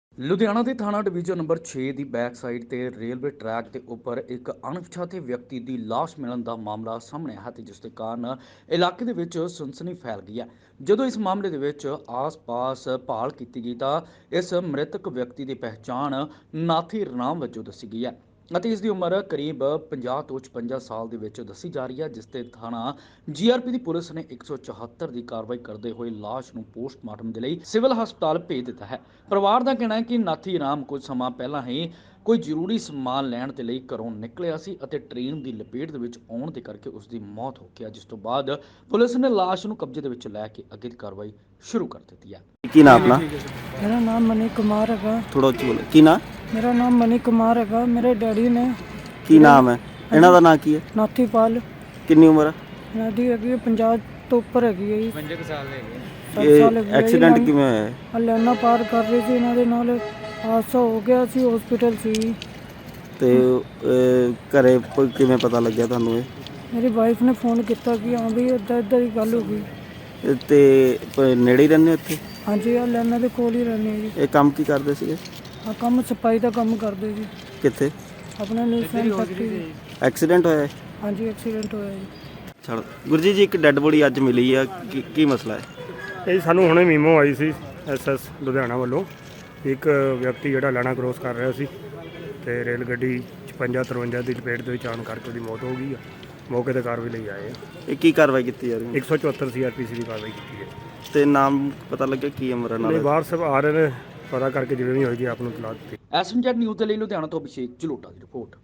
ਲੁਧਿਆਣਾ ਦੇ ਥਾਣਾ division number 6 ਦੀ ਬੈਕ ਸਾਈਡ ਤੇ ਰੇਲਵੇ ਟਰੈਕ ਦੇ ਉੱਪਰ ਇੱਕ ਅਣਪਛਾਤੇ ਵਿਅਕਤੀ ਦੀ ਲਾਸ਼ ਮਿਲਣ ਦਾ ਮਾਮਲਾ ਸਾਹਮਣੇ ਆਇਆ ਤੇ ਜਿਸ ਦੇ ਕਾਰਨ ਇਲਾਕੇ ਦੇ ਵਿੱਚ ਸਨਸਨੀ ਫੈਲ ਗਈ ਹੈ। ਜਦੋਂ ਇਸ ਮਾਮਲੇ ਦੇ ਵਿੱਚ ਆਸ-ਪਾਸ ਭਾਲ ਕੀਤੀ ਗਈ ਤਾਂ ਇਸ ਮ੍ਰਿਤਕ ਵਿਅਕਤੀ ਦੀ ਪਹਿਚਾਣ ਨਾਥੀ ਰਾਮ ਵਜੋਂ ਦੱਸੀ ਗਈ ਹੈ ਅਤੇ ਇਸ ਦੀ ਉਮਰ ਕਰੀਬ 50 ਤੋਂ 56 ਸਾਲ ਦੇ ਵਿੱਚ ਦੱਸੀ ਜਾ ਰਹੀ ਹੈ, ਜਿਸ ਤੇ ਥਾਣਾ ਜੀਆਰਪੀ ਦੀ ਪੁਲਿਸ ਨੇ 174 ਦੀ ਕਾਰਵਾਈ ਕਰਦੇ ਹੋਏ ਲਾਸ਼ ਨੂੰ ਪੋਸਟਮਾਰਟਮ ਦੇ ਲਈ ਸਿਵਲ ਹਸਪਤਾਲ ਭੇਜ ਦਿੱਤਾ ਹੈ। ਪਰਿਵਾਰ ਦਾ ਕਹਿਣਾ ਹੈ ਕਿ ਨਾਥੀ ਰਾਮ ਕੁਝ ਸਮਾਂ ਪਹਿਲਾਂ ਹੀ ਕੋਈ ਜ਼ਰੂਰੀ ਸਮਾਨ ਲੈਣ ਦੇ ਲਈ ਘਰੋਂ ਨਿਕਲਿਆ ਸੀ ਅਤੇ ਟ੍ਰੇਨ ਦੀ ਲਪੇਟ ਦੇ ਵਿੱਚ ਆਉਣ ਦੇ ਕਰਕੇ ਉਸ ਦੀ ਮੌਤ ਹੋ ਗਈ, ਜਿਸ ਤੋਂ ਬਾਅਦ ਪੁਲਿਸ ਨੇ ਲਾਸ਼ ਨੂੰ ਕਬਜ਼ੇ ਦੇ ਵਿੱਚ ਲੈ ਕੇ ਅੱਗੇ ਦੀ ਕਾਰਵਾਈ ਸ਼ੁਰੂ ਕਰ ਦਿੱਤੀ ਹੈ। ਕੀ ਨਾਮ ਆਪਣਾ? ਮੇਰਾ ਨਾਮ ਮਨੀ ਕੁਮਾਰ ਹੈਗਾ। ਥੋੜਾ ਉੱਚੀ ਬੋਲੋ। ਕੀ ਨਾਮ? ਮੇਰਾ ਨਾਮ ਮਨੀ ਕੁਮਾਰ ਹੈਗਾ। ਮੇਰੇ ਡੈਡੀ ਨੇ ਕੀ ਨਾਮ ਹੈ ਇਹਨਾਂ ਦਾ? ਨਾਂ ਕੀ ਹੈ? ਨਾਥੀਪਾਲ। ਕਿੰਨੀ ਉਮਰ ਹੈ ਇਹਨਾਂ ਦੀ ਹੈਗੀ 50 ਤੋਂ ਉੱਪਰ ਹੈਗੀ ਹੈ ਜੀ। 50 ਸਾਲ ਹੈਗੇ। ਇਹ ਐਕਸੀਡੈਂਟ ਕਿਵੇਂ ਹੋਇਆ ਹੈ? ਹਲਿਆਣਾ ਪਾਰ ਕਰ ਰਹੀ ਸੀ, ਇਹਨਾਂ ਦੇ ਨਾਲ ਹਾਦਸਾ ਹੋ ਗਿਆ ਸੀ, ਹਸਪੀਟਲ ਸੀ। ਤੇ ਘਰੇ ਕਿਵੇਂ ਪਤਾ ਲੱਗਿਆ ਤੁਹਾਨੂੰ ਇਹ? ਮੇਰੀ ਵਾਈਫ ਨੇ ਫੋਨ ਕੀਤਾ ਕਿ ਹਾਂ ਵੀ ਇੱਦਾਂ ਦੀ ਗੱਲ ਹੋ ਗਈ। ਤੇ ਨੇੜੇ ਹੀ ਰਹਿੰਦੇ ਹੋ ਇੱਥੇ? ਹਾਂਜੀ, ਹਲਿਆਣਾ ਦੇ ਕੋਲ ਹੀ ਰਹਿੰਦੇ ਜੀ। ਇਹ ਕੰਮ ਕੀ ਕਰਦੇ ਸੀਗੇ? ਆ ਕੰਮ ਸਫਾਈ ਦਾ ਕੰਮ ਕਰਦੇ ਜੀ ਕਿੱਥੇ? ਆਪਣਾ ਨਿਊਜ਼ਲੈਂਡ ਫੈਕਟਰੀ। ਐਕਸੀਡੈਂਟ ਹੋਇਆ ਹੈ? ਹਾਂਜੀ, ਐਕਸੀਡੈਂਟ ਹੋਇਆ ਜੀ। ਛੱਡ ਗੁਰਜੀ ਜੀ, ਇੱਕ ਡੈੱਡ ਬੋਡੀ ਅੱਜ ਮਿਲੀ ਆ, ਕੀ ਮਸਲਾ ਹੈ? ਇਹ ਸਾਨੂੰ ਹੁਣੇ ਮੀਮੋ ਆਈ ਸੀ ਐਸਐਸ ਲੁਧਿਆਣਾ ਵੱਲੋਂ। ਇੱਕ ਵਿਅਕਤੀ ਜਿਹੜਾ ਲਾਣਾ ਕ੍ਰੋਸ ਕਰ ਰਿਹਾ ਸੀ ਤੇ ਰੇਲ ਗੱਡੀ 56-53 ਦੀ ਲਪੇਟ ਦੇ ਵਿੱਚ ਆਉਣ ਕਰਕੇ ਉਹਦੀ ਮੌਤ ਹੋ ਗਈ ਆ। ਮੌਕੇ ਤੇ ਕਾਰਵਾਈ ਲਈ ਆਏ ਆ। ਇਹ ਕੀ ਕਾਰਵਾਈ ਕੀਤੀ ਜਾ ਰਹੀ ਹੈ? 174 ਸੀਆਰਪੀਸੀ ਦੀ ਕਾਰਵਾਈ ਕੀਤੀ ਹੈ। ਤੇ ਨਾਮ ਪਤਾ ਲੱਗਿਆ ਕੀ ਉਮਰ ਨਹੀਂ, ਨਾਲ? ਬਾਹਰ ਸਭ ਆ ਰਹੇ ਨੇ, ਪਤਾ ਕਰਕੇ ਜਿਵੇਂ ਵੀ ਹੋਏਗੀ ਆਪ ਨੂੰ ਇਤਲਾਹ ਦਿੱਤੀ। ਐਸਐਮਜੈਡ ਨਿਊਜ਼ ਦੇ ਲਈ ਲੁਧਿਆਣਾ ਤੋਂ ਅਭਿਸ਼ੇਕ ਜਲੋਟਾ ਦੀ ਰਿਪੋਰਟ।